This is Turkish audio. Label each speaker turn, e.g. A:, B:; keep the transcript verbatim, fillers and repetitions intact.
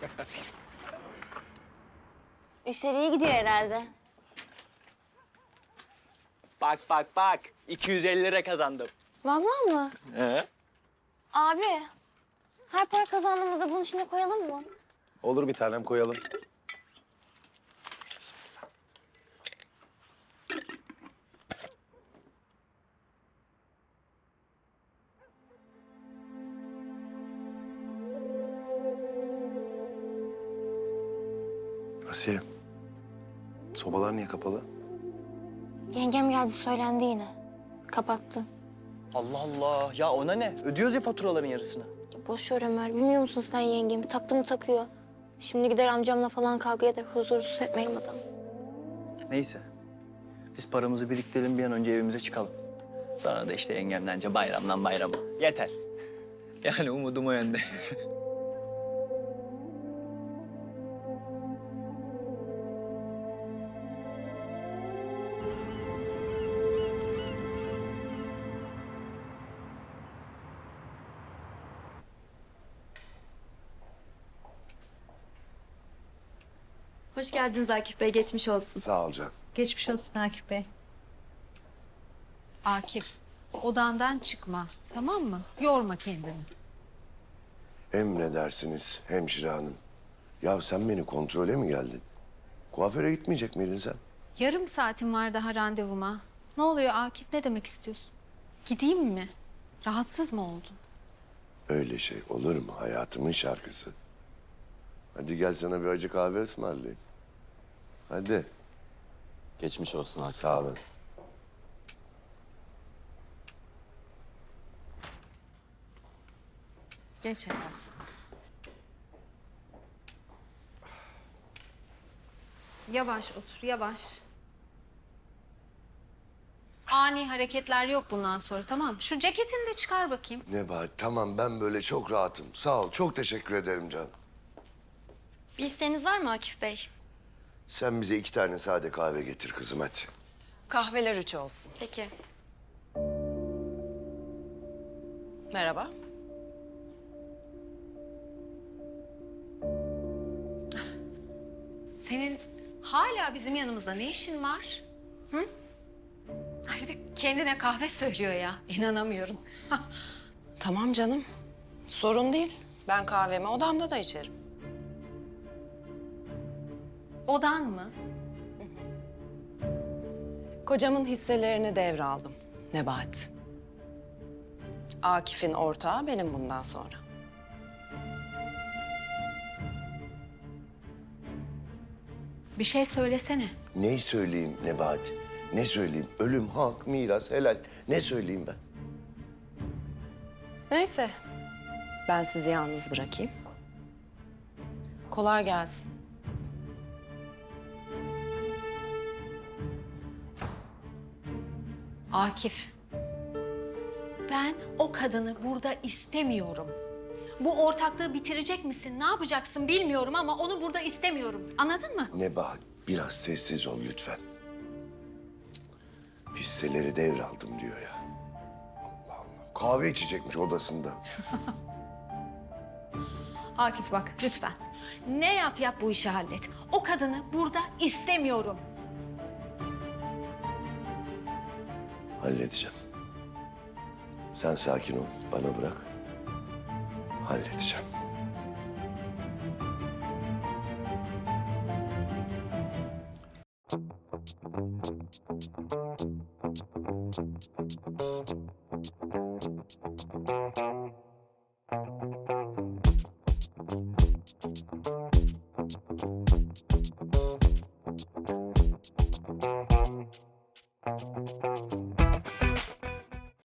A: İşler iyi gidiyor herhalde.
B: Bak bak bak. iki yüz elli lira kazandım.
A: Vallahi mı?
B: Ee?
A: Abi, her para kazandığımızda bunun içine koyalım mı?
C: Olur bir tanem koyalım. Asiye, sobalar niye kapalı?
A: Yengem geldi söylendi yine. Kapattı.
B: Allah Allah. Ya ona ne? Ödüyoruz ya faturaların yarısını.
A: Ya boş ver Ömer, bilmiyor musun sen yengemi? Taktı mı takıyor. Şimdi gider amcamla falan kavga eder, huzursuz etmeyin adam.
B: Neyse. Biz paramızı biriktirelim, bir an önce evimize çıkalım. Sonra da işte yengemlence bayramdan bayrama. Yeter. Yani umudum o yönde.
D: Hoş geldiniz Akif Bey, geçmiş olsun.
C: Sağ ol Can.
E: Geçmiş olsun Akif Bey. Akif, odandan çıkma, tamam mı? Yorma kendini.
F: Emredersiniz hemşire hanım. Ya sen beni kontrole mi geldin? Kuaföre gitmeyecek miydin sen?
E: Yarım saatim var daha randevuma. Ne oluyor Akif, ne demek istiyorsun? Gideyim mi? Rahatsız mı oldun?
F: Öyle şey olur mu? Hayatımın şarkısı. Hadi gel sana bir acı kahve ısmarlayayım. Hadi.
G: Geçmiş olsun Akif.
F: Sağ olun.
E: Geç hayatım. Yavaş otur, yavaş. Ani hareketler yok bundan sonra, tamam mı? Şu ceketini de çıkar bakayım.
F: Nebahat tamam ben böyle çok rahatım. Sağ ol çok teşekkür ederim canım.
D: Bir isteğiniz var mı Akif Bey?
F: Sen bize iki tane sade kahve getir kızım hadi.
H: Kahveler üç olsun.
D: Peki.
H: Merhaba.
E: Senin hala bizim yanımızda ne işin var? Hı? Ay bir de kendine kahve söylüyor ya. İnanamıyorum.
H: Tamam canım. Sorun değil. Ben kahvemi odamda da içerim.
E: Odan mı?
H: Kocamın hisselerini devraldım Nebahat. Akif'in ortağı benim bundan sonra.
E: Bir şey söylesene.
F: Neyi söyleyeyim Nebahat? Ne söyleyeyim? Ölüm, hak, miras, helal. Ne söyleyeyim ben?
H: Neyse. Ben sizi yalnız bırakayım. Kolay gelsin.
E: Akif. Ben o kadını burada istemiyorum. Bu ortaklığı bitirecek misin? Ne yapacaksın bilmiyorum ama onu burada istemiyorum. Anladın mı?
F: Nebahat biraz sessiz ol lütfen. Cık, Hisseleri devraldım diyor ya. Allah Allah. Kahve içecekmiş odasında.
E: Akif bak lütfen. Ne yap yap bu işi hallet. O kadını burada istemiyorum.
F: Halledeceğim. Sen sakin ol. Bana bırak. Halledeceğim.